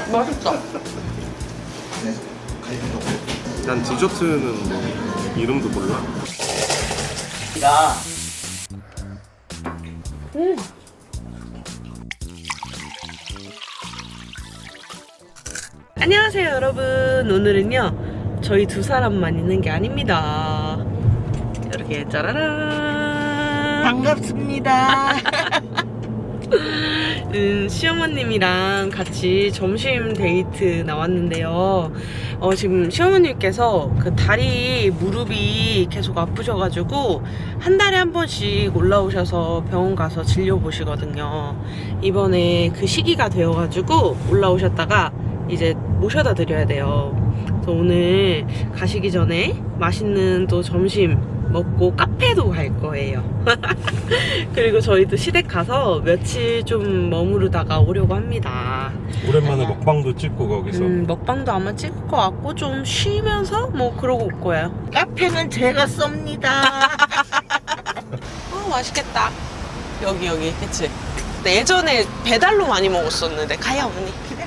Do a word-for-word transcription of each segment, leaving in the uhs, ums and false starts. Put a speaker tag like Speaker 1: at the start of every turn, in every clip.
Speaker 1: 맛있다.
Speaker 2: 난 디저트는 뭐 이름도 몰라.
Speaker 3: 야.
Speaker 1: 음. 안녕하세요 여러분. 오늘은요 저희 두 사람만 있는 게 아닙니다. 이렇게 짜라란
Speaker 3: 반갑습니다.
Speaker 1: 음, 시어머님이랑 같이 점심 데이트 나왔는데요. 어, 지금 시어머님께서 그 다리 무릎이 계속 아프셔가지고 한 달에 한 번씩 올라오셔서 병원 가서 진료 보시거든요. 이번에 그 시기가 되어가지고 올라오셨다가 이제 모셔다 드려야 돼요. 그래서 오늘 가시기 전에 맛있는 또 점심 먹고 카페도 갈 거예요. 그리고 저희도 시댁 가서 며칠 좀 머무르다가 오려고 합니다.
Speaker 2: 오랜만에 먹방도 찍고 거기서.
Speaker 1: 음, 먹방도 아마 찍을 것 같고 좀 쉬면서 뭐 그러고 올 거예요.
Speaker 3: 카페는 제가 썹니다.
Speaker 1: 어, 맛있겠다. 여기 여기 그치? 근데 예전에 배달로 많이 먹었었는데 가야 언니. 그래.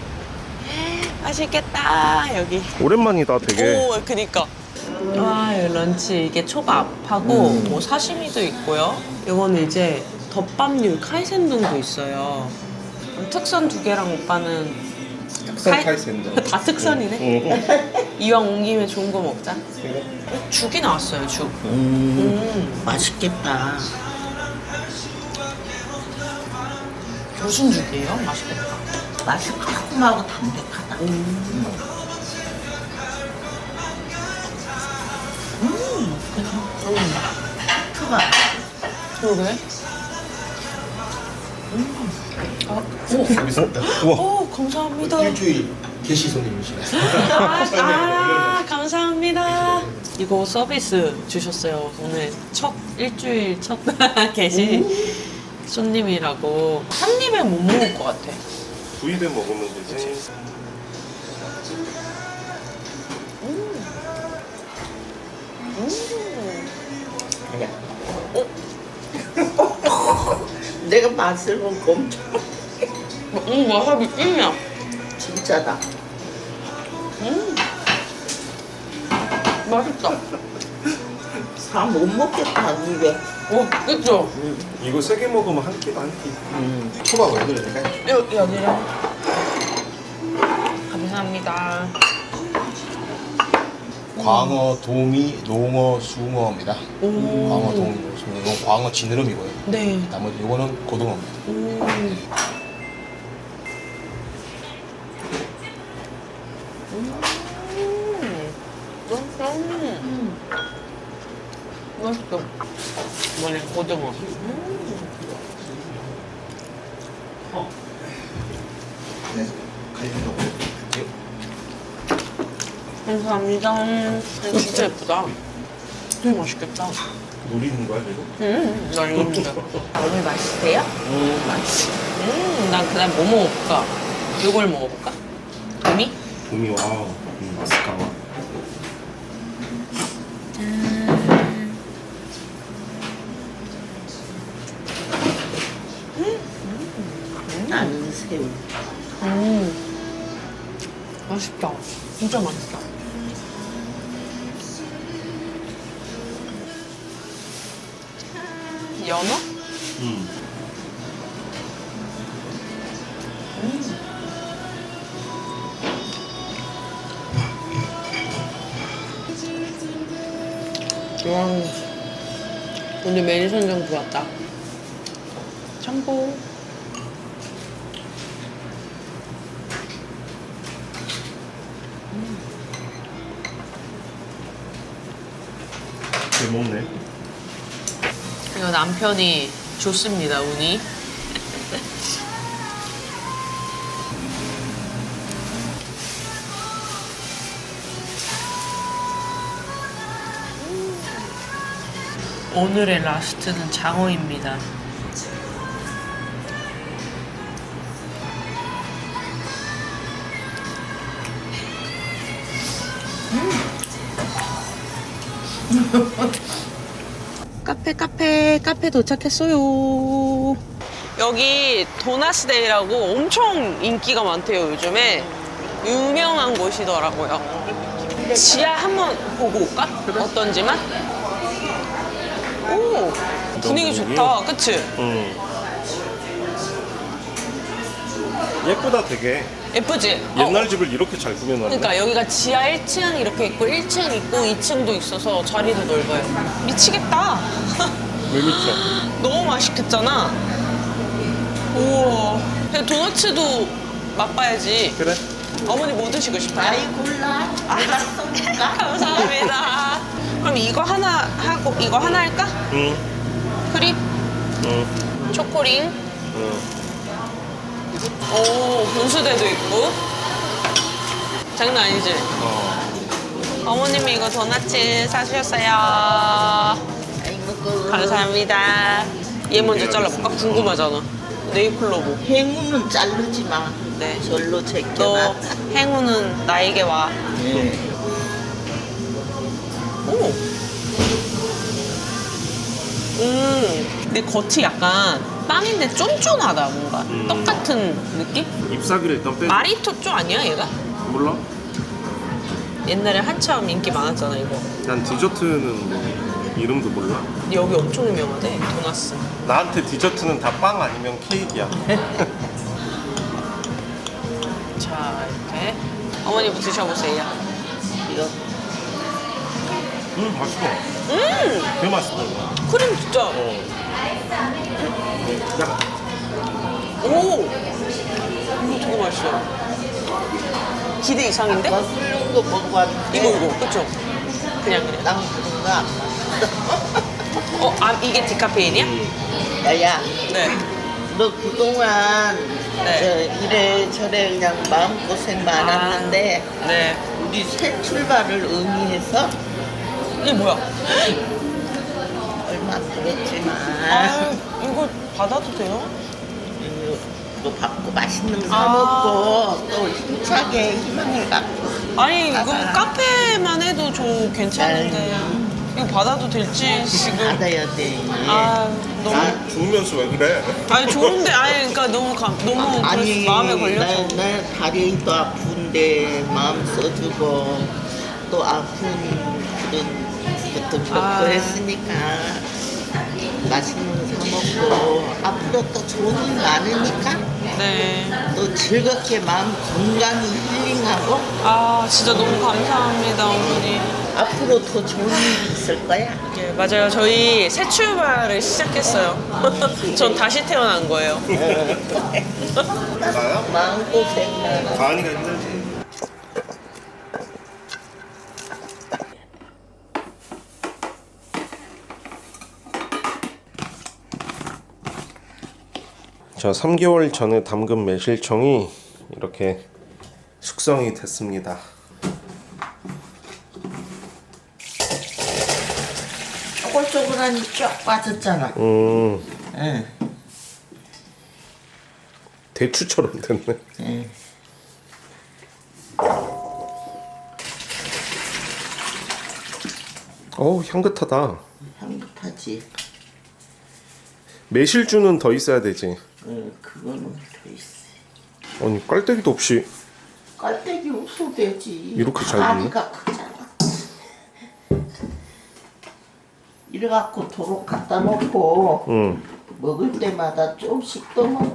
Speaker 1: 맛있겠다 여기.
Speaker 2: 오랜만이다 되게.
Speaker 1: 오, 그니까. 아, 여기 런치 이게 초밥하고
Speaker 3: 음.
Speaker 1: 뭐 사시미도 있고요. 이거는 이제 덮밥류 카이센동도 있어요. 특선 두 개랑 오빠는 카이-
Speaker 2: 카이센동.
Speaker 1: 다 특선이네. 이왕 온 김에 좋은 거 먹자. 죽이 나왔어요, 죽.
Speaker 3: 음,
Speaker 1: 음,
Speaker 3: 맛있겠다.
Speaker 1: 무슨 죽이에요? 맛있겠다.
Speaker 3: 맛이 깔끔하고 담백하다. 음, 그냥
Speaker 1: 음,
Speaker 3: 트가.
Speaker 1: 그러게. 음. 아, 오,
Speaker 4: 재밌습니다.
Speaker 2: 우와.
Speaker 1: 오, 감사합니다.
Speaker 4: 일주일 게시 손님이시네.
Speaker 1: 아, 아, 감사합니다. 이거 서비스 주셨어요. 오늘 첫 일주일 첫 계신 손님이라고. 한 입에 못 먹을 것 같아.
Speaker 2: 두 입에 먹으면 되지.
Speaker 3: 아니야. 내가 맛을 보고 엄청
Speaker 1: 음, 와사비 찐이야.
Speaker 3: 진짜다.
Speaker 1: 음, 맛있다.
Speaker 3: 다 못 먹겠다, 입에.
Speaker 1: 오, 그쵸?
Speaker 2: 이거 세 개 먹으면 한 끼다 한 끼.
Speaker 3: 음.
Speaker 4: 초밥 왜 그러니까?
Speaker 1: 여, 여기랑. 감사합니다.
Speaker 4: 광어, 도미, 농어, 숭어입니다.
Speaker 1: 오.
Speaker 4: 광어, 도미, 숭어. 이건 광어 지느러미고요.
Speaker 1: 네.
Speaker 4: 나머지 이거는 고등어입니다.
Speaker 1: 오. 음. 맛있어. 음. 맛있어. 이번에 고등어.
Speaker 4: 네. 갈비도
Speaker 1: 감사합니다. 음, 진짜 예쁘다. 되게 맛있겠다.
Speaker 2: 노리는 거야 지금?
Speaker 1: 음, 나 이거 진짜. 오늘 맛있으세요? 음, 맛있어. 음, 난 그다음 뭐 먹어볼까? 이걸 먹어볼까? 도미?
Speaker 2: 봄이 와. 음, 마스카와.
Speaker 3: 나는 새우.
Speaker 1: 음, 맛있다. 진짜 맛있다. 연어?
Speaker 2: 음. 와, 오늘 메뉴 선정 좋았다. 참고. 잘 먹네.
Speaker 1: 이거 남편이 좋습니다, 운이. 오늘의 라스트는 장어입니다. 카페 카페 카페 도착했어요. 여기 도나스데이라고 엄청 인기가 많대요 요즘에. 유명한 곳이더라고요. 지하 한번 보고 올까? 어떤지만? 오, 분위기 좋다. 그치?
Speaker 2: 응. 예쁘다 되게.
Speaker 1: 예쁘지?
Speaker 2: 옛날
Speaker 1: 어,
Speaker 2: 집을 이렇게 잘 꾸며놨네.
Speaker 1: 그러니까 여기가 지하 일 층 이렇게 있고 일 층 있고 이 층도 있어서 자리도 넓어요. 미치겠다.
Speaker 2: 왜 미쳐?
Speaker 1: 너무 맛있겠잖아. 우와. 근데 도너츠도 맛봐야지.
Speaker 2: 그래?
Speaker 1: 어머니 뭐 드시고 싶어요?
Speaker 3: 아이 골라. 내가 쏜다.
Speaker 1: 감사합니다. 그럼 이거 하나 하고 이거 하나 할까?
Speaker 2: 응.
Speaker 1: 크림,
Speaker 2: 응.
Speaker 1: 초코링.
Speaker 2: 응.
Speaker 1: 오, 분수대도 있고. 장난 아니지?
Speaker 2: 어.
Speaker 1: 어머님이 이거 도넛츠 사주셨어요.
Speaker 3: 아이 먹어.
Speaker 1: 감사합니다. 얘 먼저 잘라볼까? 궁금하잖아. 네잎클로버.
Speaker 3: 행운은 자르지 마.
Speaker 1: 네.
Speaker 3: 절로
Speaker 1: 너
Speaker 3: 제껴놔.
Speaker 1: 행운은 나에게 와.
Speaker 3: 네.
Speaker 1: 오. 음. 근데 겉이 약간 빵인데 쫀쫀하다 뭔가.
Speaker 2: 음.
Speaker 1: 떡 같은 느낌?
Speaker 2: ip사귀를 일단 빼.
Speaker 1: 마리토쪼 아니야 얘가?
Speaker 2: 몰라?
Speaker 1: 옛날에 한참 인기 많았잖아 이거.
Speaker 2: 난 디저트는 뭐 이름도 몰라.
Speaker 1: 근데 여기 엄청 유명하대 도나스.
Speaker 2: 나한테 디저트는 다 빵 아니면 케이크야.
Speaker 1: 자 이렇게 어머니 드셔보세요.
Speaker 3: 이거
Speaker 2: 음 맛있어.
Speaker 1: 음
Speaker 2: 되게 맛있다 이거.
Speaker 1: 크림 진짜.
Speaker 2: 어. 약간
Speaker 1: 오 이거 되게 맛있어. 기대 이상인데?
Speaker 3: 아까 훌륭 거 먹어봤는데.
Speaker 1: 이거 이거 그쵸? 그냥 그냥.
Speaker 3: 난 그런 거안 맛있어.
Speaker 1: 어, 아 이게 디카페인이야?
Speaker 3: 야야,
Speaker 1: 네.
Speaker 3: 너 그동안
Speaker 1: 네.
Speaker 3: 저 이래저래 그냥 마음고생 많았는데
Speaker 1: 아, 네.
Speaker 3: 우리 새 출발을 의미해서
Speaker 1: 이게 뭐야?
Speaker 3: 얼마 들었지만
Speaker 1: 아 이거 받아도 돼요?
Speaker 3: 또 받고 맛있는 거 사
Speaker 1: 아.
Speaker 3: 먹고 또 힘차게 희망을 갖고
Speaker 1: 아니 이거
Speaker 3: 받아.
Speaker 1: 카페만 해도 저 괜찮은데 이거 받아도 될지 지금.
Speaker 3: 받아야 돼.
Speaker 1: 아 너무.
Speaker 3: 아,
Speaker 2: 좋으면서 왜 그래?
Speaker 1: 아니 좋은데 아니 그러니까 너무 감 너무
Speaker 3: 아니
Speaker 1: 마음에 걸려서.
Speaker 3: 나, 나 다리도 아픈데 마음 써주고 또 아픈 그런 것도 겪고
Speaker 1: 아.
Speaker 3: 했으니까 맛있는 거 사 먹고 앞으로 또 좋은 일 많으니까
Speaker 1: 네.
Speaker 3: 또 즐겁게 마음 건강히 힐링하고
Speaker 1: 아 진짜 너무 감사합니다 어머니.
Speaker 3: 앞으로 더 좋은 일이 있을 거야.
Speaker 1: 예 맞아요 저희 새 출발을 시작했어요. 전 다시 태어난 거예요.
Speaker 2: 나야?
Speaker 3: 마음고생 많아.
Speaker 2: 가은이가 힘들지. 자, 삼 개월 전에 담근 매실청이 이렇게 숙성이 됐습니다.
Speaker 3: 쪼글쪼글하니 쫙 빠졌잖아.
Speaker 2: 음,
Speaker 3: 응.
Speaker 2: 대추처럼 됐네.
Speaker 3: 응.
Speaker 2: 어우, 향긋하다.
Speaker 3: 향긋하지.
Speaker 2: 매실주는 더 있어야 되지.
Speaker 3: 응, 그거는 더 있어.
Speaker 2: 아니, 깔때기도 없이
Speaker 3: 깔때기 없어도 되지.
Speaker 2: 이렇게 잘 됐네?
Speaker 3: 다리가 크잖아. 이래갖고 도로 갖다 놓고
Speaker 2: 응.
Speaker 3: 먹을 때마다 조금씩 더 먹.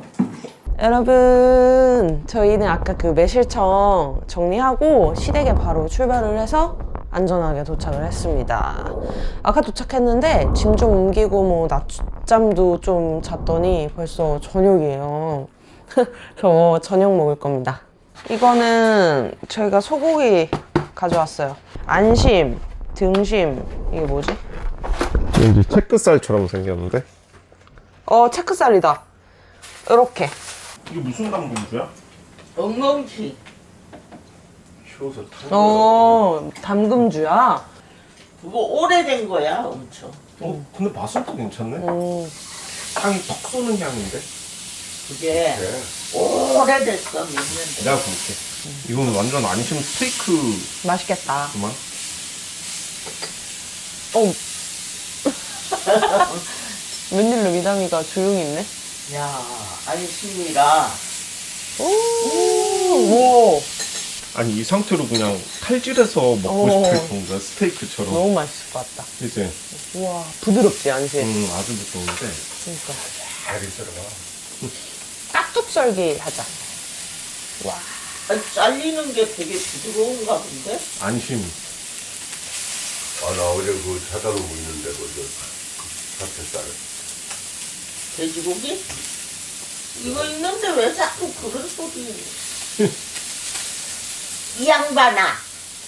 Speaker 1: 여러분 저희는 아까 그 매실청 정리하고 시댁에 바로 출발을 해서 안전하게 도착을 했습니다. 아까 도착했는데 짐 좀 옮기고 뭐 낮잠도 좀 잤더니 벌써 저녁이에요. 저 저녁 먹을 겁니다. 이거는 저희가 소고기 가져왔어요. 안심, 등심, 이게 뭐지?
Speaker 2: 왠지 채끝살처럼 생겼는데?
Speaker 1: 어 체크살이다. 이렇게.
Speaker 2: 이게 무슨 담금주야?
Speaker 3: 엉겅지.
Speaker 2: 쉬워서
Speaker 1: 어 담금주야.
Speaker 3: 그거 오래된 거야, 엄청.
Speaker 2: 어, 근데 맛은 또 괜찮네?
Speaker 1: 음.
Speaker 2: 향이 턱 쏘는 향인데?
Speaker 3: 그게
Speaker 2: 그래.
Speaker 3: 오래됐어, 몇 년.
Speaker 2: 내가 볼게. 이건 완전 안심 스테이크구만.
Speaker 1: 맛있겠다. 어. 웬일로 미담이가 조용히 있네?
Speaker 3: 야, 안심이라.
Speaker 1: 오, 오.
Speaker 2: 아니 이 상태로 그냥 칼질해서 먹고
Speaker 1: 어.
Speaker 2: 싶을 정도야. 스테이크처럼.
Speaker 1: 너무 맛있을 것 같다.
Speaker 2: 이제
Speaker 1: 우와, 부드럽지 않지?
Speaker 2: 음 아주 부드러운데.
Speaker 1: 그러니까.
Speaker 2: 잘 썰어가.
Speaker 1: 깍둑썰기 하자. 와.
Speaker 3: 아니, 잘리는 게 되게 부드러운가 본데?
Speaker 2: 안심.
Speaker 5: 아, 나 어제 그 사다 놓고 있는데, 그, 저, 그, 살
Speaker 3: 돼지고기? 이거 있는데 왜 자꾸 그런 소리? 이 양반아.
Speaker 5: 아,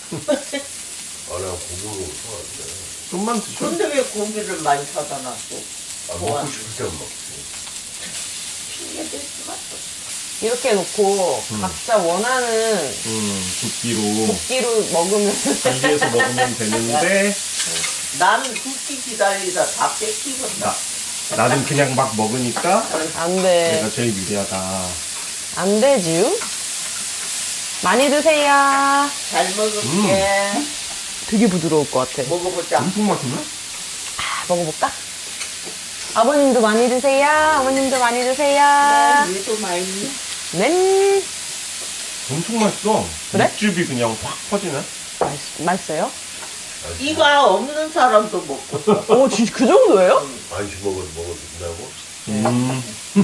Speaker 5: 나 고기 먹고 좋아하는데.
Speaker 2: 좀만 드셔.
Speaker 3: 근데 왜 고기를 많이 사다 놨어?
Speaker 5: 아,
Speaker 3: 좋아.
Speaker 5: 먹고 싶을 때 먹지.
Speaker 3: 핑계 대지 마.
Speaker 1: 이렇게 놓고 각자 원하는
Speaker 2: 음 붓기로
Speaker 1: 고기로 먹으면
Speaker 2: 달리해서 먹으면 되는데
Speaker 3: 나는 굵기 기다리다 다 뺏기겠다.
Speaker 2: 나 나는 그냥 막 먹으니까
Speaker 1: 안 돼.
Speaker 2: 내가 제일 유리하다.
Speaker 1: 안 되지요? 많이 드세요.
Speaker 3: 잘 먹을게.
Speaker 1: 되게 부드러울 것 같아.
Speaker 3: 먹어보자.
Speaker 2: 엄청 맛있네.
Speaker 1: 아, 먹어볼까? 아버님도 많이 드세요. 어머님도 많이 드세요.
Speaker 3: 얘도 많이.
Speaker 1: 네.
Speaker 2: 엄청 맛있어.
Speaker 1: 그래?
Speaker 2: 육즙이 그냥 확 퍼지네.
Speaker 1: 맛있, 맛있어요?
Speaker 3: 이가 없는 사람도 먹고 있어.
Speaker 1: 오, 진짜 그 정도예요?
Speaker 5: 안심 먹어도 먹어도 된다고?
Speaker 2: 음.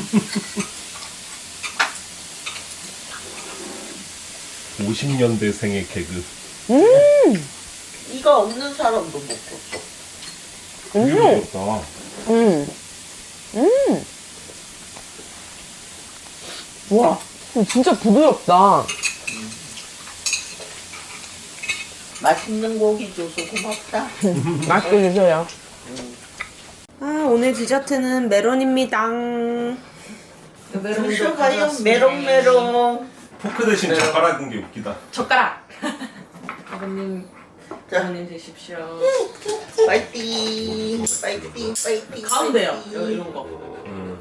Speaker 2: 오십 년대생의 개그.
Speaker 1: 음.
Speaker 3: 이가 없는 사람도 먹고 있어.
Speaker 2: 되게
Speaker 1: 음.
Speaker 2: 부드럽다.
Speaker 1: 음. 음. 와, 진짜 부드럽다.
Speaker 3: 맛있는 고기 줘서 고맙다.
Speaker 1: 맛있게 드세요. 아, 오늘 디저트는 메론입니다.
Speaker 3: 드셔가요. 메롱메롱.
Speaker 2: 포크 대신 젓가락인 게 웃기다.
Speaker 1: 젓가락. 아버님,
Speaker 3: 자,
Speaker 1: 아버님 드십시오.
Speaker 3: 파이팅. 파이팅. 파이팅.
Speaker 1: 가운데요.
Speaker 3: 파이팅.
Speaker 1: 이런 거.
Speaker 2: 음.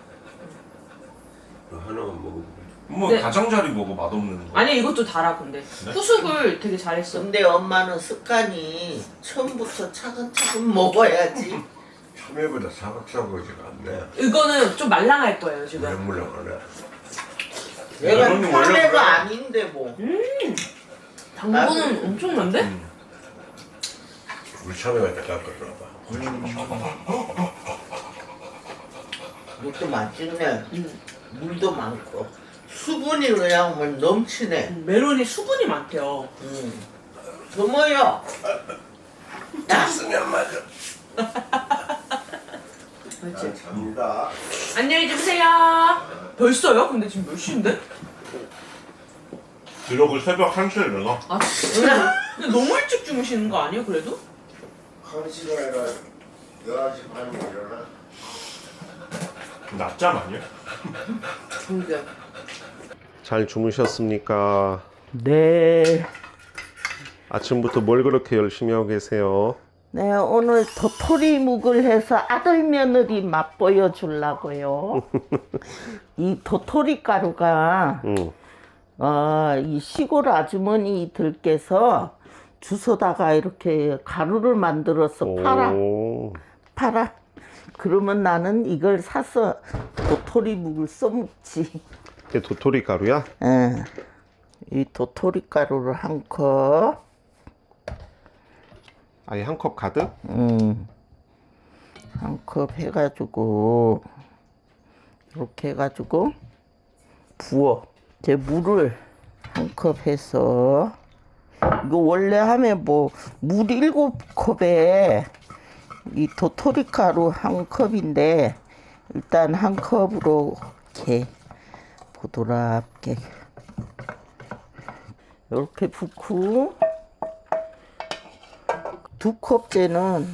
Speaker 5: 하나만 먹어도
Speaker 2: 뭐
Speaker 1: 네.
Speaker 2: 가장자리 먹어 맛없는 거.
Speaker 1: 아니, 이것도 달아, 근데. 후숙을 되게 잘했어.
Speaker 3: 근데 엄마는 습관이 처음부터 차근차근 먹어야지.
Speaker 5: 참외보다 사각사각지가 않네.
Speaker 1: 이거는 좀 말랑할 거예요, 지금.
Speaker 5: 물렁물렁하네.
Speaker 3: 내가
Speaker 2: 메론이 원래 그래.
Speaker 3: 참외가 아닌데 뭐.
Speaker 1: 당분은 엄청난데?
Speaker 2: 음.
Speaker 5: 우리 참외가 다 깎아줘봐.
Speaker 3: 이것도 맛있네. 물도 많고. 수분이 그냥 뭐 넘치네.
Speaker 1: 메론이 수분이 많대요.
Speaker 3: 음. 고모요.
Speaker 5: 쓰면 맞아.
Speaker 1: 그렇지.
Speaker 5: 갑니다.
Speaker 1: 안녕히 주무세요. 벌써요? 근데 지금 몇 시인데?
Speaker 2: 기록을 새벽 한 시에 일어나.
Speaker 1: 아, 진짜? 근데 너무 일찍 주무시는 거 아니에요, 그래도?
Speaker 5: 한 시간이라 열한 시 반에 일어나.
Speaker 2: 낮잠 아니야?
Speaker 1: 그러게.
Speaker 2: 잘 주무셨습니까?
Speaker 3: 네.
Speaker 2: 아침부터 뭘 그렇게 열심히 하고 계세요?
Speaker 3: 네, 오늘 도토리묵을 해서 아들 며느리 맛보여 주려고요. 이 도토리 가루가
Speaker 2: 응.
Speaker 3: 어, 이 시골 아주머니들께서 주워다가 이렇게 가루를 만들어서 팔아.
Speaker 2: 오.
Speaker 3: 팔아. 그러면 나는 이걸 사서 도토리묵을 써먹지.
Speaker 2: 이게 도토리 가루야?
Speaker 3: 예. 이 도토리 가루를 한 컵.
Speaker 2: 아예 한 컵 가득?
Speaker 3: 음. 한 컵 해가지고 이렇게 해가지고 부어. 이제 물을 한 컵 해서 이거 원래 하면 뭐 물 일곱 컵에 이 도토리 가루 한 컵인데 일단 한 컵으로 이렇게 보드랍게 이렇게 붓고 두 컵째는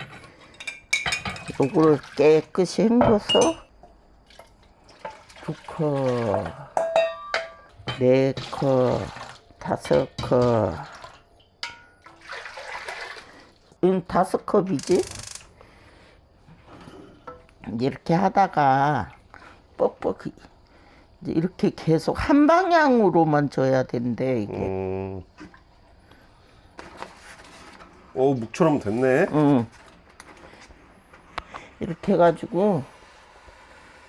Speaker 3: 요거를 깨끗이 헹궈서 두 컵, 네 컵, 다섯 컵, 응, 다섯 컵이지? 이렇게 하다가 뻑뻑 이렇게 계속 한 방향으로만 줘야 된대 이게.
Speaker 2: 음. 오 묵처럼 됐네.
Speaker 3: 응. 이렇게 해가지고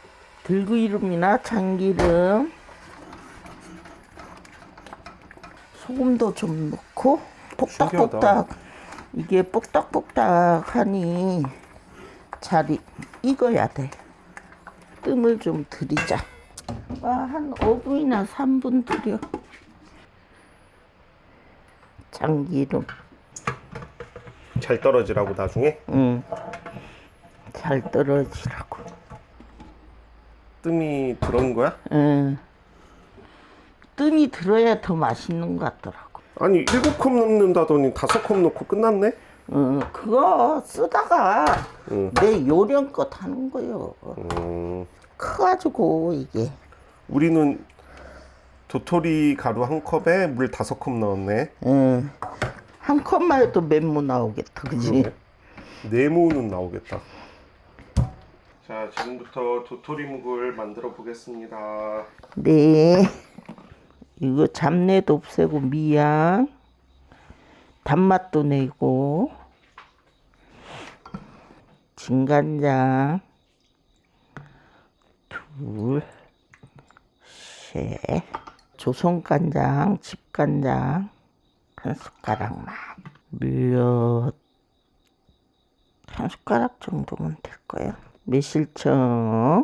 Speaker 3: 들기름이나 참기름 소금도 좀 넣고 볶닥볶닥 이게 볶닥볶닥하니 잘 이- 익어야 돼. 뜸을 좀 들이자. 아, 한 오 분이나 삼 분 들여. 참기름.
Speaker 2: 잘 떨어지라고 나중에
Speaker 3: 응. 잘 떨어지라고.
Speaker 2: 뜸이 들어온 거야?
Speaker 3: 응. 뜸이 들어야 더 맛있는 것 같더라고.
Speaker 2: 아니 일곱 컵 넣는다더니 다섯 컵 넣고 끝났네?
Speaker 3: 응, 그거 쓰다가
Speaker 2: 응.
Speaker 3: 내 요령껏 하는 거요.
Speaker 2: 음,
Speaker 3: 커가지고 이게.
Speaker 2: 우리는 도토리 가루 한 컵에 물 다섯 컵 넣었네.
Speaker 3: 응. 한 컵만 해도 멘무 나오겠다, 그지?
Speaker 2: 네모는 나오겠다. 자, 지금부터 도토리묵을 만들어 보겠습니다.
Speaker 3: 네. 이거 잡내도 없애고 미양. 단맛도 내고. 진간장. 둘. 셋. 조선간장, 집간장. 한 숟가락만. 물엿. 한 숟가락 정도면 될 거예요. 매실청.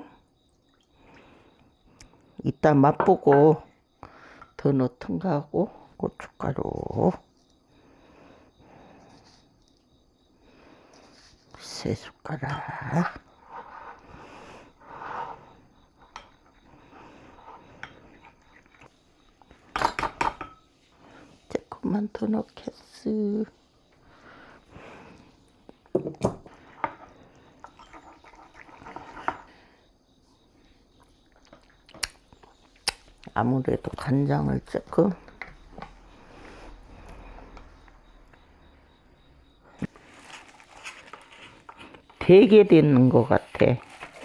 Speaker 3: 이따 맛보고 더 넣던가 하고. 고춧가루. 세 숟가락. 조금만 더 넣겠어. 아무래도 간장을 조금 되게 되는 것 같아.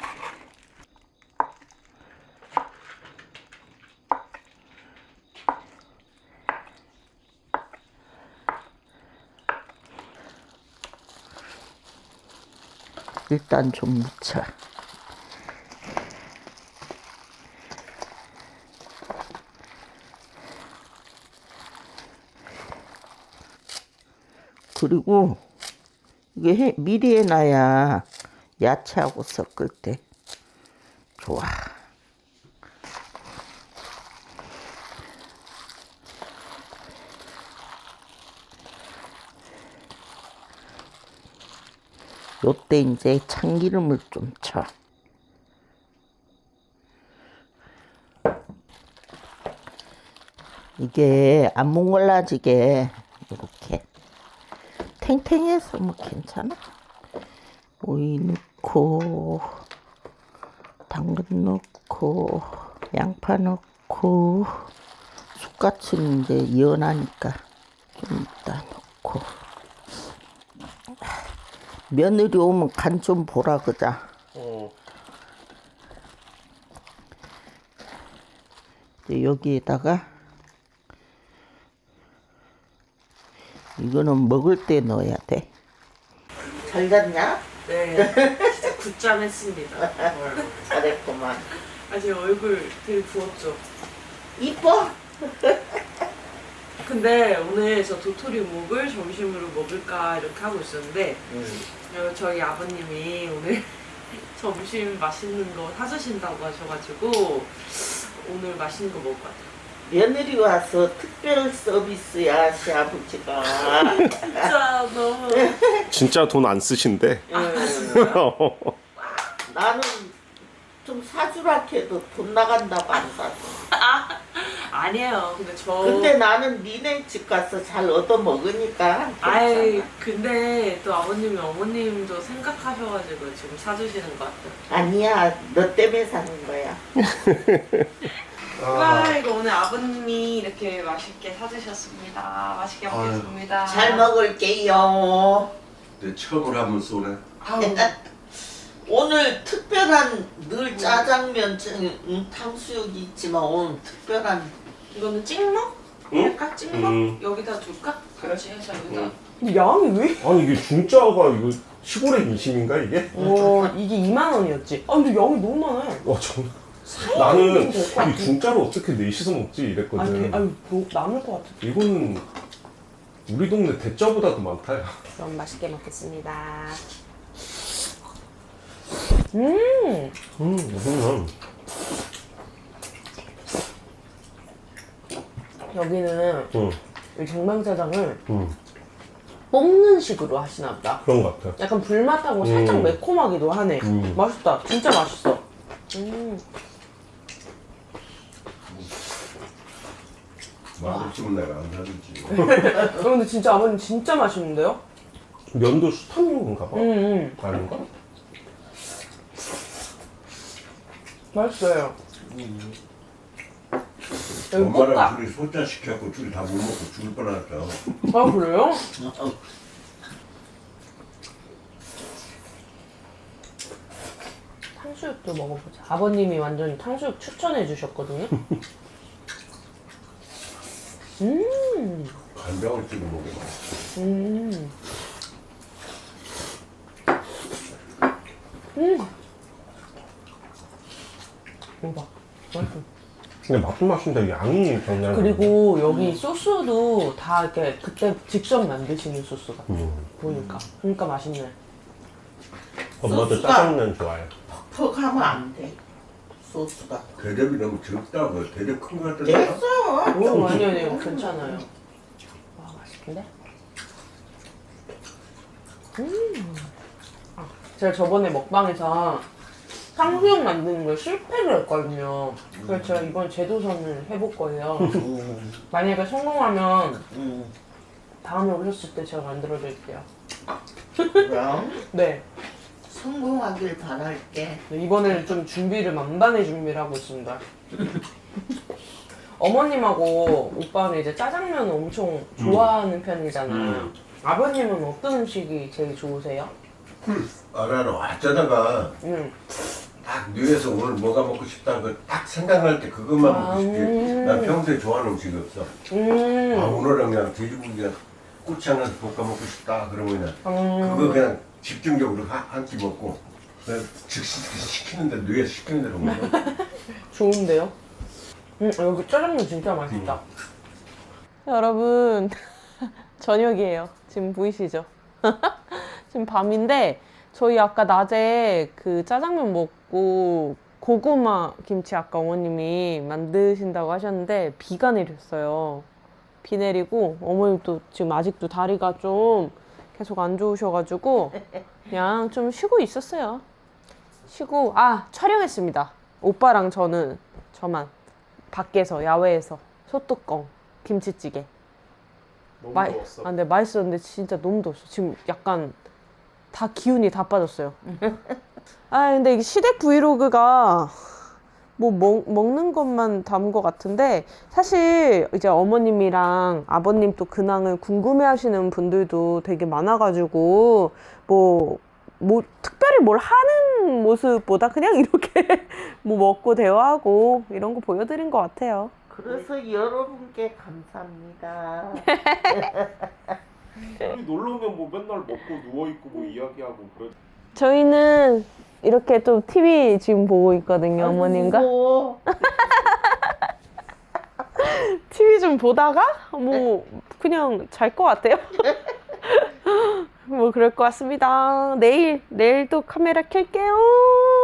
Speaker 3: 일단 좀 묻혀. 그리고 이게 해, 미리 해놔야 야채하고 섞을 때 좋아. 요때 이제 참기름을 좀 쳐. 이게 안 뭉글라지게 이렇게 탱탱해서 뭐 괜찮아. 오이 넣고 당근 넣고 양파 넣고 쑥갓은 이제 연하니까 좀 이따 넣고. 며느리 오면 간 좀 보라 그자.
Speaker 2: 어.
Speaker 3: 이제 여기에다가 이거는 먹을 때 넣어야 돼. 잘 잤냐?
Speaker 1: 네, 진짜 굿잠 했습니다.
Speaker 3: 잘했구만.
Speaker 1: 아직 얼굴 되게 부었죠.
Speaker 3: 이뻐?
Speaker 1: 근데 오늘 저 도토리묵을 점심으로 먹을까 이렇게 하고 있었는데 어, 저희 아버님이 오늘 점심 맛있는 거 사주신다고 하셔가지고 오늘 맛있는 거 먹을 것 같아요.
Speaker 3: 며느리 와서 특별 서비스야, 시아버지가.
Speaker 1: 진짜 너무
Speaker 2: 진짜 돈 안 쓰신대.
Speaker 3: 나는 좀 사주라 해도 돈 나간다고 안 사줘.
Speaker 1: 아니에요. 근데 저
Speaker 3: 근데 나는 니네 집 가서 잘 얻어 먹으니까.
Speaker 1: 아이
Speaker 3: 괜찮아.
Speaker 1: 근데 또 아버님이 어머님도 생각하셔가지고 지금 사주시는 것 같아요.
Speaker 3: 아니야, 너 때문에 사는 거야.
Speaker 1: 와 이거 오늘 아버님이 이렇게 맛있게 사주셨습니다. 맛있게 먹겠습니다.
Speaker 3: 잘 먹을게요.
Speaker 5: 내 척을 하면 쏘네.
Speaker 1: 아우,
Speaker 3: 오늘 특별한 늘 짜장면, 음, 탕수육이 있지만 오늘 특별한.
Speaker 1: 이거는 찍먹?
Speaker 2: 응?
Speaker 1: 할까? 찍먹?
Speaker 2: 음.
Speaker 1: 여기다 둘까? 같이 해서 여기다.
Speaker 6: 양이 왜?
Speaker 2: 아니 이게 중짜가 이거 시골의 민심인가 이게?
Speaker 6: 어 이게 이만 원이었지. 아 근데 양이 너무 많아요.
Speaker 2: 와 정 나는
Speaker 1: 될것 같아.
Speaker 2: 이 중짜로 어떻게 넷이서 먹지
Speaker 1: 아니,
Speaker 2: 이랬거든.
Speaker 1: 되- 아유, 뭐, 남을 것 같아.
Speaker 2: 이거는 우리 동네 대짜보다도 많다. 야.
Speaker 1: 그럼 맛있게 먹겠습니다. 음,
Speaker 2: 음, 이거는
Speaker 1: 여기는
Speaker 2: 음,
Speaker 1: 이 정방짜장을
Speaker 2: 음,
Speaker 1: 볶는 식으로 하시나 보다.
Speaker 2: 그런 것 같아.
Speaker 1: 약간 불맛하고 살짝
Speaker 2: 음.
Speaker 1: 매콤하기도 하네.
Speaker 2: 음.
Speaker 1: 맛있다. 진짜 맛있어. 음.
Speaker 5: 맛없으면 내가 안 사주지.
Speaker 1: 어, 근데 진짜 아버님 진짜 맛있는데요?
Speaker 2: 면도 수타민인가 봐.
Speaker 1: 음, 음.
Speaker 2: 아닌가?
Speaker 1: 맛있어요. 여기
Speaker 5: 엄마랑
Speaker 1: 볶아.
Speaker 5: 둘이 소짜 시켜갖고 둘이 다 못 먹고 죽을 뻔했어.
Speaker 1: 아, 그래요? 탕수육도 먹어보자. 아버님이 완전 탕수육 추천해 주셨거든요. 음,
Speaker 5: 간장을 찍어 먹으면 맛있어.
Speaker 1: 음. 음. 대박. 맛있어.
Speaker 2: 근데 맛도 맛인데 양이 장난.
Speaker 1: 그리고 여기 소스도 다 이렇게 그때 직접 만드시는 소스 같아.
Speaker 2: 음.
Speaker 1: 보니까. 그러니까 맛있네.
Speaker 2: 엄마도
Speaker 3: 소스가-
Speaker 2: 짜장면 좋아해.
Speaker 3: 퍽 하면 안 돼. 소스가.
Speaker 5: 대접이 너무 적다고. 대접 큰 거 갖다 놔.
Speaker 3: 됐어.
Speaker 1: 오, 아니, 아니요. 괜찮아요. 와, 맛있는데? 음. 아, 제가 저번에 먹방에서 탕수육 만드는 걸 실패를 했거든요. 그래서 제가 이번 재도전을 해볼 거예요.
Speaker 3: 음,
Speaker 1: 만약에 성공하면
Speaker 3: 음.
Speaker 1: 다음에 오셨을 때 제가 만들어드릴게요.
Speaker 3: 그럼
Speaker 1: 네.
Speaker 3: 성공하길 바랄게.
Speaker 1: 네, 이번에는 좀 준비를 만반의 준비를 하고 있습니다. 어머님하고 오빠는 이제 짜장면을 엄청 좋아하는 편이잖아요.
Speaker 2: 음.
Speaker 1: 아버님은 어떤 음식이 제일 좋으세요?
Speaker 5: 아, 나는 어쩌다가
Speaker 1: 음.
Speaker 5: 딱 뇌에서 오늘 뭐가 먹고 싶다 그 딱 생각날 때 그것만
Speaker 1: 아,
Speaker 5: 먹고 싶지.
Speaker 1: 음.
Speaker 5: 난 평소에 좋아하는 음식이 없어.
Speaker 1: 음.
Speaker 5: 아, 오늘은 그냥 돼지고기가 꼬치하면서 볶아 먹고 싶다 그러면 그냥
Speaker 1: 음.
Speaker 5: 그거 그냥 집중적으로 한 끼 먹고 그냥 즉시 시키는데 뇌에서 시키는 대로 먹어.
Speaker 1: 좋은데요? 음, 여기 짜장면 진짜 맛있다. 여러분, 저녁이에요. 지금 보이시죠? 지금 밤인데 저희 아까 낮에 그 짜장면 먹고 고구마 김치 아까 어머님이 만드신다고 하셨는데 비가 내렸어요. 비 내리고 어머님도 지금 아직도 다리가 좀 계속 안 좋으셔가지고 그냥 좀 쉬고 있었어요. 쉬고 아 촬영했습니다. 오빠랑 저는 저만 밖에서 야외에서 소뚜껑 김치찌개.
Speaker 2: 너무
Speaker 1: 마-
Speaker 2: 더웠어.
Speaker 1: 아, 근데 맛있었는데 진짜 너무 더웠어. 지금 약간 다 기운이 다 빠졌어요. 아, 근데 이게 시댁 브이로그가 뭐 먹, 먹는 것만 담은 것 같은데 사실 이제 어머님이랑 아버님 또 근황을 궁금해하시는 분들도 되게 많아가지고 뭐, 뭐 특별히 뭘 하는 모습보다 그냥 이렇게 뭐 먹고 대화하고 이런 거 보여드린 것 같아요.
Speaker 3: 그래서 여러분께 감사합니다.
Speaker 2: 우리 놀러 오면 뭐 맨날 먹고 누워 있고 뭐 이야기하고 그래.
Speaker 1: 저희는 이렇게 좀 티비 지금 보고 있거든요, 어머님과.
Speaker 3: 아이고,
Speaker 1: 티비 좀 보다가 뭐 그냥 잘 것 같아요. 뭐 그럴 것 같습니다. 내일 내일 또 카메라 켤게요.